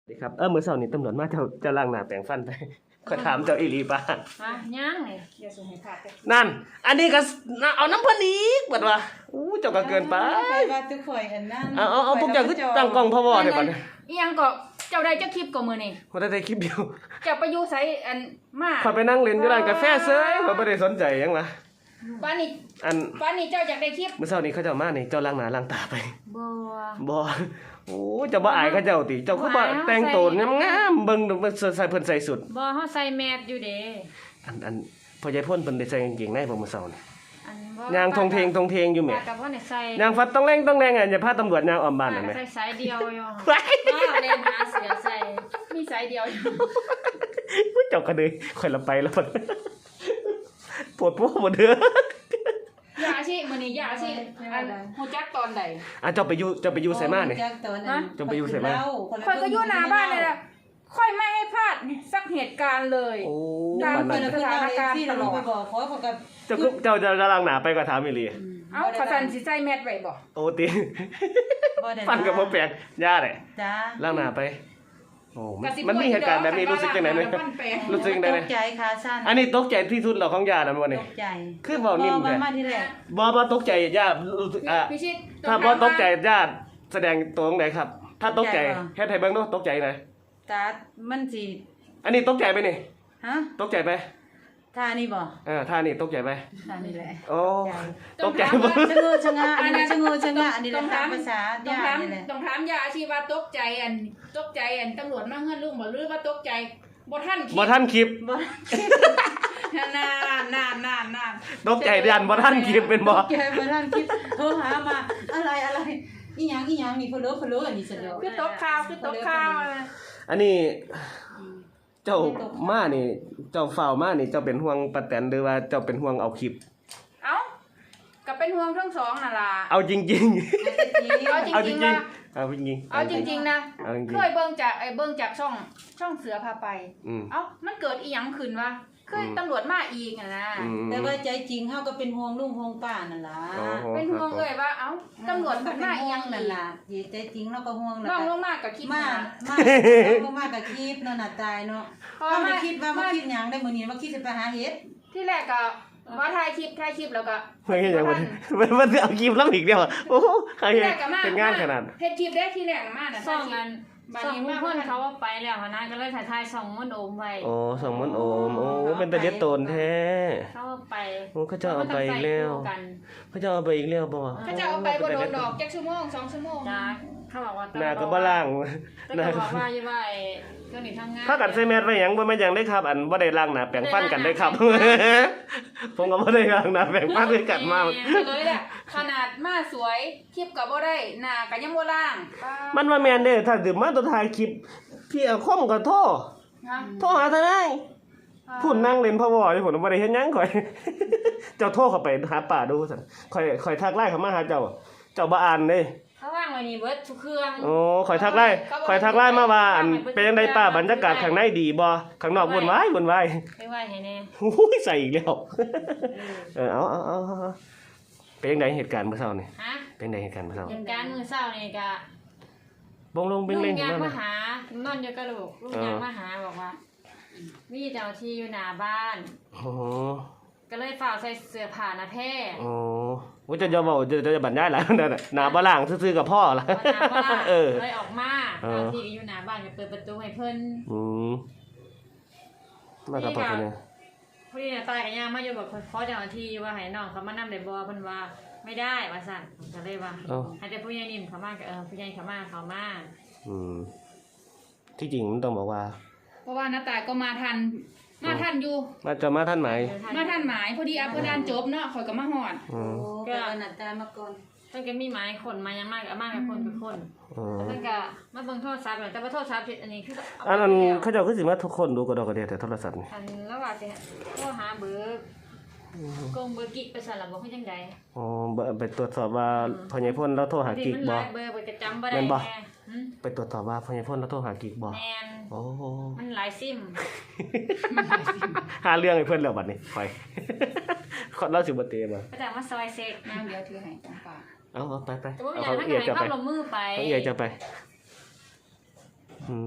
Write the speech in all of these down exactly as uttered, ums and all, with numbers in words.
ดีครับเออมื้อเช้านี้ตำรวจมาเจ้าเจ้าล้างหน้าแปรงฟันไปขอยถามเจ้าอีหลีป่ะมาย่างเลยอย่าส่งให้ขาดเลยนั่นอันนี้ก็เอาน้ำเพิ่นอีกบัดว่าอู้เจ้าก็เกินไปว่าทุกข่อยอันนั้นเอาเอาเอาพวกเจ้าคือตั้งกล้องพ่อบ่ได้บัดนี้อีหยังก็เจ้าได้เจ้าคลิปก็มื้อนี้บ่ได้ได้คลิปเดียวเจ้าไปอยู่ไสอันมาข้อยไปนั่งเล่นอยู่ร้านกาแฟเฉยข้อยบ่ได้สนใจหยังล่ะป้านนี้อันป้านนี้เจ้าอยากได้คลิปมื้อเช้านี้เขาเจ้ามานี่เจ้าล้างหน้าล้างตาไปบ่บ่โอ้เจ้าบ่อายเขาเจ้าติเจ้าคือบ่แต่งตัวงามๆเบิ่งเบิ่งใส่เพิ่นใส่สุดบ่เฮาใส่แมสอยู่เด้อันอันพ่อใหญ่พ่นเพิ่นได้ใส่กางเกงในบ่มื้อเช้านี่อันบ่ย่างทงเทงทงเทงอยู่แหมก็บ่ได้ใส่ย่างฟัดต้องแรงต้องแรงอ่ะอย่าพาตำรวจย่างอ้อมบ้านนั่นแหมใส่สายเดียวอยู่ว่าเล่นหาเสือใส่มีสายเดียวอยู่ผู้เจ้าก็เลยค่อยละไปแล้วปวดปุ๊บบ่เด้อยาสิมื้อนี้อยาสิอันฮู้จักตอนใดอ่ะเจ้าไปอยู่เจ้าไปอยู่ไสมานี่เจ้าไปอยู่ไสมาค่อยก็อยู่หน้าบ้านนี่แหละค่อยไม่ให้พลาดสักเหตุการณ์เลยโอ้ตามสถานการณ์ตลอดเจ้าเจ้าจะล้างหน้าไปก็ถามอีหลีเอ้าเขาสั่นสิใส่แมสไว้บ่โอ้ติฟันก็บ่แปลกย่าได้จ้าล้างหน้าไปโอ้มันมีเหตุการณ์แบบนี้รู้สึกจังได๋มั้ยรู้สึกจังได๋ตกใจค่ะซั่นอันนี้ตกใจที่สุดแล้วของย่านั่นบ่นี่ตกใจคือเว้านิ่มแท้บ่มาที่แรกบ่บ่ตกใจย่ารู้สึกอ่ะถ้าบ่ตกใจย่าแสดงตัวตรงไหนครับถ้าตกใจเฮ็ดให้เบิ่งดูตกใจหน่อยตามันสิอันนี้ตกใจไปนี่ฮะตกใจไปท่านี่บ่เออท่านี่ตกใจไปท่านี่แหละโอ้ตกใจบ่ชะงูชะงะอันนี้ชะงูชะงะอันนี้ตามภาษาย่านี่แหละต้องถามย่าสิว่าตกใจอันตกใจอันตำรวจมาเฮือนลุงบ่หรือว่าตกใจบ่ทันคลิปบ่ทันคลิปบ่นานๆๆๆตกใจยันบ่ทันคลิปเป็นบ่ตกใจบ่ทันคลิปโทรหามาอะไรอะไรอีหยังอีหยังนี่เพิ่นรู้เพิ่นรู้อันนี้ซะแล้วคือตกข่าวคือตกข่าวอันนี้เจ้ามานี่เจ้าฝ้าวมานี่เจ้าเป็นห่วงป้าแตนหรือว่าเจ้าเป็นห่วงเอาคลิปเอ้าก็เป็นห่วงทั้งสองนั่นล่ะเอาจริงๆเอาจริงๆว่าเอาจริงๆเอาจริงๆนะเคยเบิ่งจากไอ้เบิ่งจากช่องช่องเสือพาไปเอ้ามันเกิดอีหยังขึ้นวะคือตำรวจมาอีกน่ะนะแต่ว่าใจจริงเฮาก็เป็นห่วงลุงห่วงป้านั่นล่ะเป็นห่วงเอ้ยว่าเอ้าตำรวจมันมาอีหยังนั่นล่ะใจจริงเราก็ห่วงน้องลงมาก็คิดมามาลงมาก็คิดเนาะน่ะตายเนาะเฮาไม่คิดว่ามาคิดหยังได้มื้อนี้มาคิดสิไปหาเฮ็ดที่แรกก็ว่าถ่ายคลิปถ่ายคลิปแล้วก็เฮ้ยยังมันมันเอาคลิปแล้วอีกเดียวโอ้ใครเป็นงานขนาดเฮ็ดคลิปได้ที่แรกมาน่ะส่องกันส่องเพิ่นเขาว่าไปแล้วนะก็เลยถ่ายๆส่องมนโอมไว้โอ้ส่องมนโอมโอ้เป็นตาเด็ดโตนแท้เขาไปโอ้เขาจะเอาไปอีกแล้วเขาจะเอาไปอีกแล้วบ่เขาจะเอาไปบ่โดนดอกจักชั่วโมงสองชั่วโมงจ้าเขาบอกว่าหน้าก็บ่ล้างหน้าก็บอกว่าอยู่ว่าไอ้เครื่องนี้ทำงานถ้ากันใส่แมสไว้หยังบ่แม่นหยังได้ครับอันบ่ได้ล้างหน้าแปรงฟันกันได้ครับผมก็บ่ได้ล้างหน้าแปรงฟันด้วยกันมาเลยแหละขนาดมาสวยคลิปก็บ่ได้หน้าก็ยังบ่ล้างมันว่าแม่นเด้ถ้าสิมาตัวถ่ายคลิปพี่เอาคอมก็โทรโทรหาทนายพูดนั่งเล่นพะวออยู่ผมบ่ได้เฮ็ดหยังข่อยเจ้าโทรเข้าไปหาป้าดูซั่นข่อยข่อยทักไลน์เข้ามาหาเจ้าเจ้าบ่อ่านเด้เขาว่างไว้นี่เบิดทุกเครื่องโอ้ข่อยทักไลน์ข่อยทักไลน์มาว่าอันเป็นจังได๋ป้าบรรยากาศข้างในดีบ่ข้างนอกวุ่นวายวุ่นวายไปไว้ให้แน่โอ้ยใส่อีกแล้วเออเอาๆๆเป็นจังได๋เหตุการณ์เมื่อเช้านี่ฮะเป็นจังได๋เหตุการณ์เมื่อเช้าเหตุการณ์มื้อเช้านี่ก็บงลงเบ่งเล่นนั่นมาหานอนอยู่กับลูกลูกยังมาหาบอกว่ามีเจ้าที่อยู่หน้าบ้านโอ้ก็เลยฝากใส่เสื้อผ้าหน้าแพร่โอ้ว่าจะจะบอกจะจะบรรยายหลายนั่นน่ะหน้าบ่ล้างซื่อๆกับพ่อล่ะเออเลยออกมาเจ้าที่อยู่หน้าบ้านก็เปิดประตูให้เพิ่นอืมมากับพ่อเนี่ยพอดีน่ะตายก็ย่างมาอยู่แบบขอเจ้าที่ว่าให้น้องเขามานำได้บ่เพิ่นว่าไม่ได้ว่าซั่นก็เลยว่าให้แต่ผู้ใหญ่นิ่มเขามาก็เออผู้ใหญ่เขามาเขามาอืมที่จริงมันต้องบอกว่าเพราะว่าน้าตายก็มาทันมาทันอยู่มาจะมาทันไหมมาทันหมายพอดีอัปเดตจบเนาะข่อยก็มาฮอดโอ้ก็น้าตายมาก่อนเพิ่นก็มีหมายคนมายังมากก็มากับคนเป็นคนเพิ่นก็มาเบิ่งโทรศัพท์แต่ว่าโทรศัพท์อันนี้คืออันนั้นเขาเจ้าคือสิมาทุกคนดูก็ดอกกระเดียแต่โทรศัพท์นี่อันแล้วว่าสิโทรหาเบอร์กงเบอร์กิ๊กไปสั่นล่ะบ่ฮู้จังได๋อ๋อไปตรวจสอบว่าพ่อใหญ่พ่นแล้วโทรหากิ๊กบ่เบอร์ไปจำบ่ได้แม่ไปตรวจสอบว่าพ่อใหญ่พ่นแล้วโทรหากิ๊กบ่แม่นโอ้มันหลายซิมหาเรื่องให้เพิ่นแล้วบัดนี้ไปเราสิบ่เตะบ่ก็จะมาซอยเซ็กนางเดี๋ยวถือให้จังป่าเอาๆไปๆเอาเขาเอียจะไปเอาลงมือไปเขาเอียจะไปอืม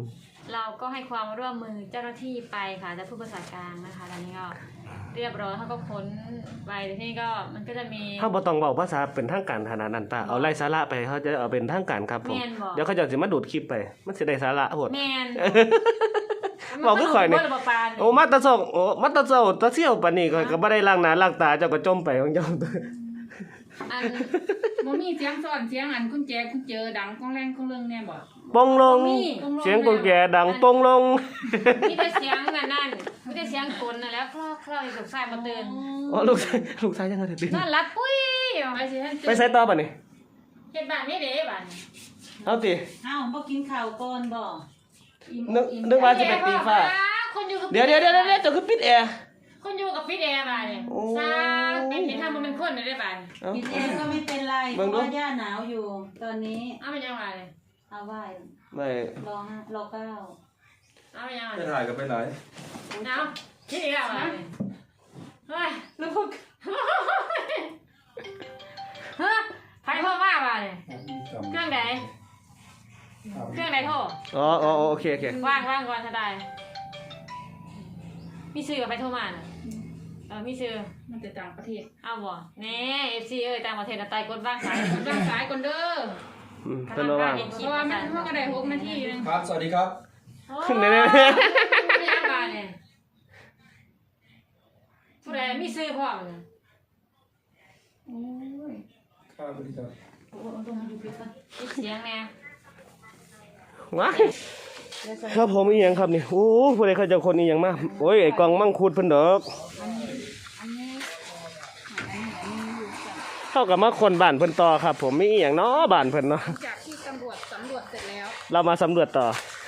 เราก็ให้ความร่วมมือเจ้าหน้าที่ไปค่ะจะพูดภาษากลางนะคะตอนนี้ก็เรียบร้อยเขาก็ค้นไปที่นี่ก็มันก็จะมีเฮาบ่ต้องเว้าภาษาเป็นทางการขนาดนั้นป้าเอาไล่สาระไปเขาจะเอาเป็นทางการครับผมแม่นบ่เดี๋ยวเขาจะสิมาดูดคลิปไปมันสิได้สาระโหดแมนบอกคือข่อยนี่มัก็ดูดบ่ระบบปานโอ้มาแตะส่งโอ้มาแตะเจ้าตะเสี่ยวปานนี้ก็ก็บ่ได้ล้างหน้าล้างตาเจ้าก็จมไปของเจ้าอันบ่มีเสียงซ่อนเสียงอันคุณแจคุณเจอดังก้องแรงก้องเรื่องแน่บ่ปงลง เสียงกุญแจดังปงลงมีแต่เสียงนั่นนั่นมีแต่เสียงกลนั่นแหล้วคลอกคลอกลูกชายมาตื่นอ๋อลูกชายลูกชายยังไงตื่นนอนหลับปุ้ยไปสิท่านไปใส่ต่อป่ะนี่เฮ็ดบ้านไม่เด้บ้านเอาติเอ้าบ่กินข้าวก่อนบ่นึกนึกว่าจะไปตีฟ้าคนอยู่กับเดี๋ยวเดี๋ยวเดี๋ยวเดี๋ยวเจ้าคือปิดแอร์คนอยู่กับฟิตแอร์บ้านเนี่ยโอ้ซาเป็นเห็นทำมันเป็นคนได้บ้านเอากินเองก็ไม่เป็นไรเพเบิ่งราะดูว่าย่าหนาวอยู่ ตอนนี้เอาเป็นยังไงเลยเอาไหว้ไม่รอห้ารอเก้าเอาเป็นยังไงไปถ่ายกันไปไหนเอาคิดอีกแล้วบ้านเฮ้ยแล้วพวกเฮ้ยใครโทรมาบ้านเนี่ยเครื่องไหนเครื่องไหนโทรอ๋ออ๋อโอเคโอเคว่างว่างก่อนถ้าได้มีซื้อกับไปโทรมาน่ะเออมีซื้อมันจะต่างประเทศเอาบ่แน่เอฟซีเอ้ยต่างประเทศน่ะตายกดว่างสายร่างสายก่อนเด้ออืมเป็นระหว่างเพราะว่ามันเพิ่งก็ได้หกนาทีนึงครับ สวัสดีครับขึ้นเลยไม่ยังบานเนี่ยผู้ใดมีซื้อพร้อมเนี่ยโอ้ยครับสวัสดีครับโอ้โหเอาตรงมาดูคลิปก่อนมีเสียงแน่ว้ายครับผมอีหยังครับนี่โอ้ผู้ใดเขาเจะคนอีหยังมาโอ้ยไอ้กล่องมังคุดเพิ่นดอกอันนี้อันนี้อันนี้อันนี้อยู่จากเท่ากับมาคนบ้านเพิ่นต่อครับ ผมมีอีหยังเนาะบ้านเพิ่นเนาะจากที่ตำรวจสำรวจเสร็จแล้วเรามาสำรวจต่อ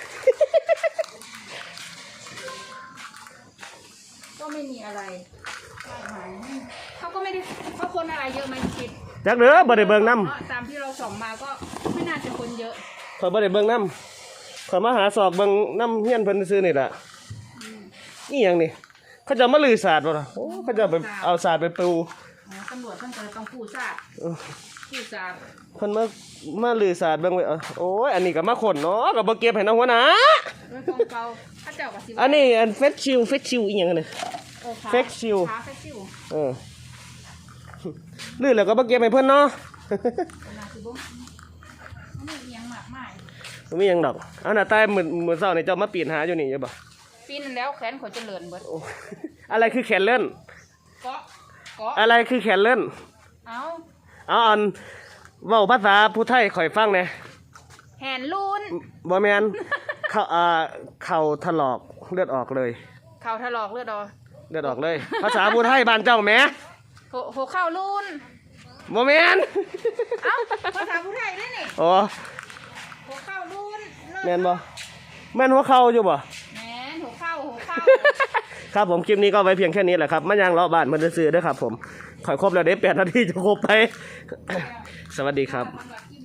ก็ไม่มีอะไรหายเขาก็ไม่ได้เขาคนอะไรเยอะไหมคิดจักเด้อบ่ได้เบิ่งนำตามที่เราส่องมาก็ไม่น่าจะคนเยอะข่อยบ่ได้เบิ่งนำข่อยมาหาศอกเบิ่งนำเฮียนเพิ่นซื่อๆนี่ล่ะอีหยังนี่เขาจะมาลือศาสตร์บ่ล่ะโอ้เขาจะไปเอาศาสตร์ไปปูอ๋อตำรวจท่านก็ต้องผู้ทราบผู้ทราบเพิ่นมามาลือศาสตร์เบิ่งไว้เอาโอ้ยอันนี้ก็มาขนเนาะก็บ่เก็บให้น้องหัวหน้าเรื่องของเก่าถ้าเจ้ากับสิอันนี้อันเฟชชิลเฟชชิลอีหยังนี่โอ้ขาเฟกชิลขาเฟกชิลเออลือแล้วก็บ่เก็บให้เพิ่นเนาะนาสิบุ้งไม่มียังมากมายบ่มีหยังดอกเอาหน้าใต้มื้อมื้อเช้านี่เจ้ามาปีนหาอยู่นี่อยู่บ่ปีนแล้วแขนขอยเจริญเบิดโอ้อะไรคือแขนเลื่อนเกาะเกาะอะไรคือแขนเลื่อนเอาเอาอันเว้าภาษาผู้ไทยข่อยฟังแหน่แหนลูนบ่แม่น เข้าอ่าเข่าถลอกเลือดออกเลยเข่าถลอกเลือดออกเลือดออกเลย ภาษาผู้ไทยบ้านเจ้าแหมโหโหเข่าลูนบ่แม่นเอ้าภาษาผู้ไทยได้นี่โอ้โหเข่าลูนแม่นบ่แม่นหัวเข่าอยู่บ่แหนโหเข่าโหเข่าครับผมคลิปนี้ก็ไว้เพียงแค่นี้แหละครับมายังเลาะบ้านมันซื้อๆเด้อครับผมข่อยครบแล้วเด้แปดนาทีจะครบไป สวัสดีครับสำหรับคลิป